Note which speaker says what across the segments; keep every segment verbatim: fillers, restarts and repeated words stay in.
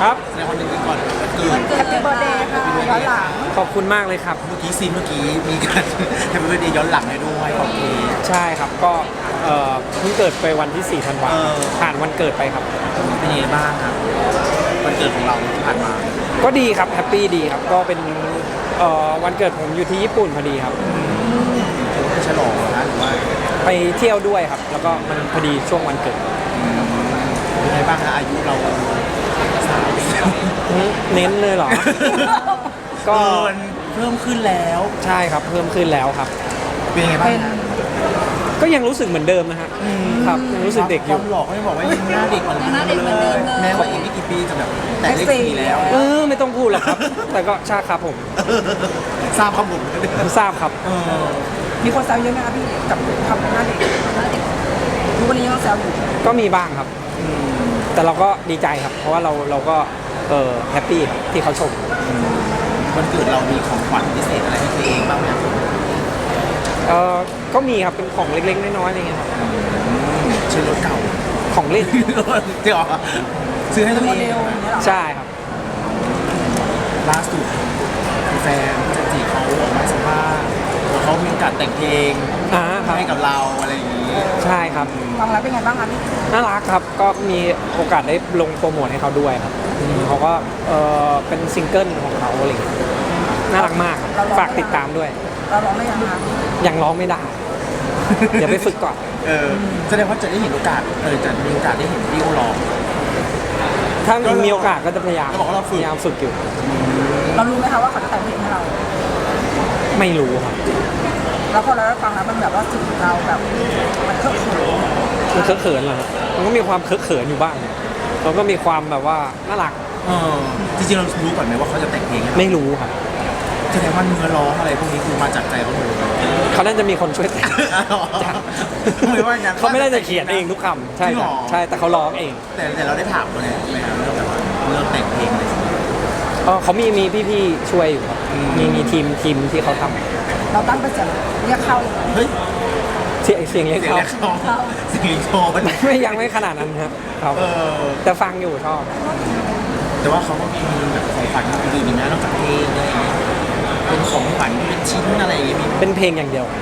Speaker 1: ครับ
Speaker 2: แสดงความยินดีก่อนเกิด
Speaker 3: แฮปปี้เบิร์ดเดย์ค่ะย้อนหลัง
Speaker 1: ขอบคุณมากเลยครับ
Speaker 2: เมื่อกี้ซีนเมื่อกี้มีการแฮปปี้เบิร์ดเดย์ย้อนหลังให้ด้วยขอบคุณ
Speaker 1: ใช่ครับก็เอ่อเพิ่งเกิดไปวันที่สี่ธันวา
Speaker 2: เออ
Speaker 1: ผ่านวันเกิดไปครับ
Speaker 2: เป็นยังไงบ้างครับวันเกิดของเราที่ผ่านมา
Speaker 1: ก็ดีครับแฮปปี้ดีครับก็เป็นเอ่อวันเกิดผมอยู่ที่ญี่ปุ่นพอดีครับ
Speaker 2: ถือว่าเป็นฉลองเหรอนะหรือว่า
Speaker 1: ไปเที่ยวด้วยครับ แล้วก็มันพอดีช่วงวันเกิด
Speaker 2: เป็นยังไงบ้างคะอายุเราสามปีแล้ว
Speaker 1: เน้นเลยเหรอ ก็
Speaker 2: เกินเพิ่มขึ้นแล้ว
Speaker 1: ใช่ครับเพิ่มขึ้นแล้วครับ
Speaker 2: เป็นยังไงบ้างคะ
Speaker 1: ก็ยังรู้สึกเหมือนเดิมนะฮะครับยังรู้สึกเด็กอยู่
Speaker 2: ความหลอกก็ยังบอกว่ายังหน้าเด็กเหมือนเดิมเลยแม้ว่าอีกไม่กี่ปีจะแบบแต่เลขสี่แล้ว
Speaker 1: เออไม่ต้องพูดหรอกครับ แต่ก็ใช่ครับผม
Speaker 2: ทราบข้อมูล
Speaker 1: ทราบครับ
Speaker 2: เออ
Speaker 3: มีคนแซวเยอะไหมคะพี่กับคำหน้าเด็กทุกวันนี้ยังแซวอยู่
Speaker 1: ก็มีบ้างครับ แต่เราก็ดีใจครับ เพราะว่าเราเราก็เออแฮปปี้ครับที่เขาชม
Speaker 2: วันเกิดเรามีของขวัญพิเศษอะไรให้ตัวเองบ้างไหมครับ
Speaker 1: เออก็มีครับเป็นของเล็กๆน้อยๆอะไรเงี้ยครับ
Speaker 2: เช่นรถเก่า
Speaker 1: ของเล่น
Speaker 2: จริงเหรอซื้อให้ตัว
Speaker 3: โม
Speaker 2: เอ
Speaker 3: เด
Speaker 2: ง
Speaker 3: ลอย่างเงี้ยเหรอ
Speaker 1: ใช่ครับ
Speaker 2: ล่าสุดแฟนพี่จันจีเขาออกมาสัมภาษณ์ว่าเขามีโอกาสแต่งเพลง
Speaker 1: อ่าครับ
Speaker 2: ให้กับเราอะไรอย่างนี้
Speaker 1: ใช่ครับ
Speaker 3: ฟังแล้วเป็นไงบ้างคะพี่
Speaker 1: น่ารักครับก็มีโอกาสได้ลงโปรโมทให้เขาด้วยครับอืมเขาก็เออเป็นซิงเกิลของเขาอะไรเงี้ยน่ารักมากครับฝากติดตามด้วย
Speaker 3: เราร้องได้ยังคะ
Speaker 1: ยังร้องไม่ได้ เดี๋ยวไปฝึกก่อน
Speaker 2: เออแสดงว่าจะได้เห็นโอกาสเออจะมีโอกาสได้เห็นพี่โอร้อง
Speaker 1: ถ้ามีโอกาสก็จะพยายาม
Speaker 2: เขาบอกว่าเราฝึก
Speaker 1: พยายามฝึกอยู่
Speaker 3: เรารู้ไหมคะว่าเขาจะแต่งเพลงให้เรา
Speaker 1: ไม่รู้ครับ
Speaker 3: แล้วพอเราได้ฟังแล้วมันแบบว่าถึงเราแบบมันเคอะเขิน
Speaker 1: มันเคอะเขินเหรอครับมันก็มีความเคอะเขินอยู่บ้างเราก็มีความแบบว่าน่ารัก
Speaker 2: เออจริงๆเรารู้ก่อนไหมว่าเขาจะแต่งเพลงให้เรา
Speaker 1: ไม่รู้ครับ
Speaker 2: แสดงว่าเนื้อร้องอะไรพวกนี้คือมาจากใจเขาหมดเลย
Speaker 1: เขาน่าจะมีคนช่วยแต่ง
Speaker 2: ไม่ว่างั้น
Speaker 1: เขาไม่ได้จะเขียนเองทุกคำใช่
Speaker 2: จริงเห
Speaker 1: ค
Speaker 2: ร
Speaker 1: รับ
Speaker 2: อ
Speaker 1: ใช่แต่เขาร้องเอง
Speaker 2: แต่แต่เราได้ถามเขาเนี่ยไหมครับเรื่องแบบว่าเรื่องแต่งเพลงอะไรอย่างเงี้ย
Speaker 1: เออเขามีมีพี่ๆช่วยอยู่ครับ
Speaker 2: อืม
Speaker 1: มีมีทีมทีมที่เขาทำ
Speaker 3: เราตั้งเป็นเสียงเรียกเข้าเลย
Speaker 2: เฮ้ย
Speaker 1: เสียงเสียงเล็ก
Speaker 2: เสียง
Speaker 1: เขา
Speaker 2: แรกเขาเสียงลิงโทน
Speaker 1: ไม่ยังไม่ขนาดนั้นครับครับ
Speaker 2: เออ
Speaker 1: แต่ฟังอยู่ชอบ
Speaker 2: แต่ว่าเขาก็มีแบบของขวัญอื่นๆอีกนะนอกจากเพลงอะไรอย่างเงี้ยเป็นของขวัญเป็นชิ้นอะไรอย่างเงี้ยมี
Speaker 1: เป็นเพลงอย่างเดียว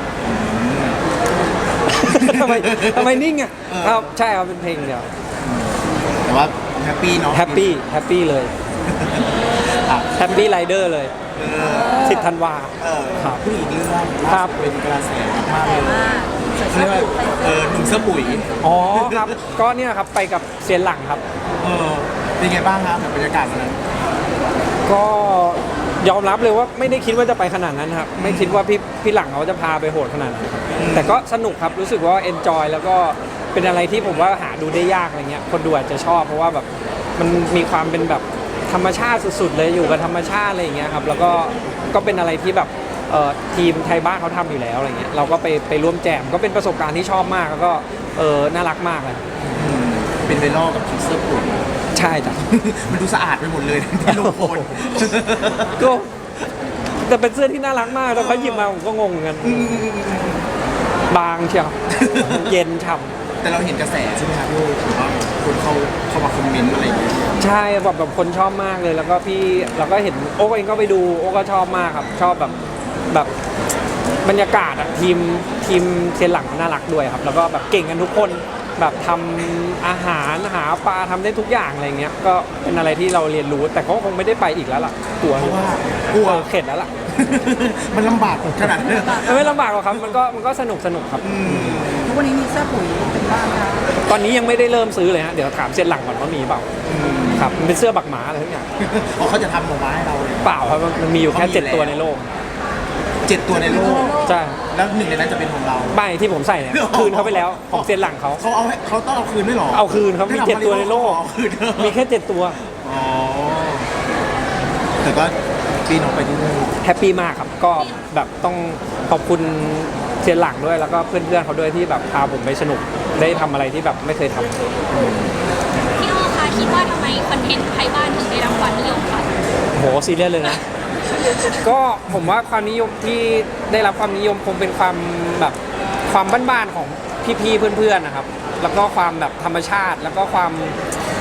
Speaker 1: ทำไมทำไมนิ่งอ่ะครับใช่ครับเป็นเพลงเดียว
Speaker 2: แต่ว่าแฮปปี้เนาะ
Speaker 1: แฮปปี้แฮปปี้เลย
Speaker 2: อ่ะ
Speaker 1: แฮปปี้ไรเดอร์เลย
Speaker 2: เออ
Speaker 1: สิบธันวา
Speaker 2: เออ
Speaker 1: ครับ
Speaker 2: ผู้หญิงเรื่อง
Speaker 1: ครั
Speaker 2: ล่า
Speaker 1: บ
Speaker 2: สุดเป็นกระแสมากๆเลยเขาเรียกว่าเออหนุ่มเสื้อปุ๋ย
Speaker 1: อ๋อครับ ก็เนี่ยครับไปกับเซียนหลังครับ
Speaker 2: เออเป็นไงบ้างครับกับบรรยากาศวันนั้น
Speaker 1: ก็ยอมรับเลยว่าไม่ได้คิดว่าจะไปขนาดนั้นครับ ไม่คิดว่าพี่พี่หลังเขาจะพาไปโหดขนาดนั้นครับแต่ก็สนุกครับรู้สึกว่าเอนจอยแล้วก็เป็นอะไรที่ผมว่าหาดูได้ยากอะไรเงี้ยคนดูอาจจะชอบเพราะว่าแบบมันมีความเป็นแบบธรรมชาติสุดๆเลยอยู่กับธรรมชาติอะไรอย่างเงี้ยครับแล้วก็ก็เป็นอะไรที่แบบเอ่อทีมไทยบ้านเขาทำอยู่แล้วอะไรเงี้ยเราก็ไปไปร่วมแจมก็เป็นประสบการณ์ที่ชอบมากแล้วก็เออน่ารักมากเลย
Speaker 2: อืมเป็นไวรัลกับชุดเสื้อปุ๋ย
Speaker 1: ใช่จ้ะ
Speaker 2: มันดูสะอาดไปหมดเลยที่ลงโพล
Speaker 1: ก็แต่เป็นเสื้อที่น่ารักมากแล้วเขาหยิบมาผมก็งงเหมือนกันบางเชียวเย็นฉ่ำ
Speaker 2: แต่เราเห็นกระแสใช่ไหมครับพี่โอ้ถือว่าคนเขาเข้ามาคอมเมนต์อะไรอย่างเงี้ย
Speaker 1: ใช่แบบแบบคนชอบมากเลยแล้วก็พี่เราก็เห็นโอ๊กเองก็ไปดูโอ๊กก็ชอบมากครับ ชอบแบบแบบบรรยากาศอะทีมทีมเซียนหลังน่ารักด้วยครับ แล้วก็แบบเก่งกันทุกคนแบบทำอาหารหาปลาทำได้ทุกอย่างอะไรเงี้ยก็เป็นอะไรที่เราเรียนรู้แต่เขาคงไม่ได้ไปอีกแล้วล่ะกลัว
Speaker 2: เพราะว่ากลัว
Speaker 1: เออเข็ดแล้วล่ะ
Speaker 2: มันลำบากขนาดนั้นเลย
Speaker 1: มันไม่ลำบากหรอกครับมันก็มันก็สนุกสนุกครับ
Speaker 2: อืม
Speaker 3: ทุกวันนี้มีเสื้อปุ๋ยเป็นบ้านนะคะ
Speaker 1: ตอนนี้ยังไม่ได้เริ่มซื้อเลยฮะเดี๋ยวถามเซียนหลังก่อนว่ามีเปล่า
Speaker 2: อืม
Speaker 1: ครับมันเป็นเสื้อบักหมาอะไรทุกอย่าง
Speaker 2: อ๋อเขาจะทำออกมาให้เราเลย
Speaker 1: เปล่าครับมันมีอยู่แค่
Speaker 2: เขามี
Speaker 1: เจ็ด
Speaker 2: แล้ว
Speaker 1: ตัวในโลก
Speaker 2: เจ็ดตัวในโลก
Speaker 1: ใช่
Speaker 2: แล้วหนึ่งในนั้นจะเป็นของเรา
Speaker 1: ใบที่ผมใส่เนี่ยคืนเขาไปแล้วของเซียนหลังเขา
Speaker 2: เขาเอาให้เขาต้องเอาคืนด้วยเหรอ
Speaker 1: เอาคืนครับมีเจ็ดตัวในโลก
Speaker 2: เอาคืน
Speaker 1: มีแค่เจ็ดตัว
Speaker 2: อ๋อแต่ก็ปีน้องไปที่นู่น
Speaker 1: แฮปปี้มากครับก็แบบต้องขอบคุณเซียนหลังด้วยแล้วก็เพื่อนๆเขาด้วยที่แบบพาผมไปสนุกได้ทำอะไรที่แบบไม่เคยทำ
Speaker 4: พี่โอคะคิดว่าทำไมคอนเทนต์ไทยบ้านถึงได้รับความนิยมคะ
Speaker 1: โหซีเรียสเลยนะ ก็ผมว่าความนิยมที่ได้รับความนิยมคงเป็นความแบบความบ้านๆของพี่ๆเพื่อนๆนะครับ แล้วก็ความแบบธรรมชาติแล้วก็ความ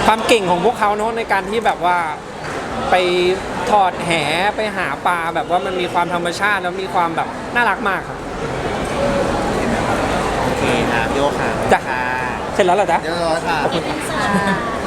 Speaker 1: ความเก่งของพวกเขาเนอะในการที่แบบว่าไปถอดแหไปหาปลาแบบว่ามันมีความธรรมชาติแล้วมีความแบบน่ารักมากครับ
Speaker 5: โอเคครับโยค่ะ
Speaker 1: จ้ะ
Speaker 5: ค่ะ
Speaker 1: เสร็จแล้วเหรอจ๊ะ
Speaker 5: เรียบร้อยค่ะ
Speaker 4: อินเสิร์ต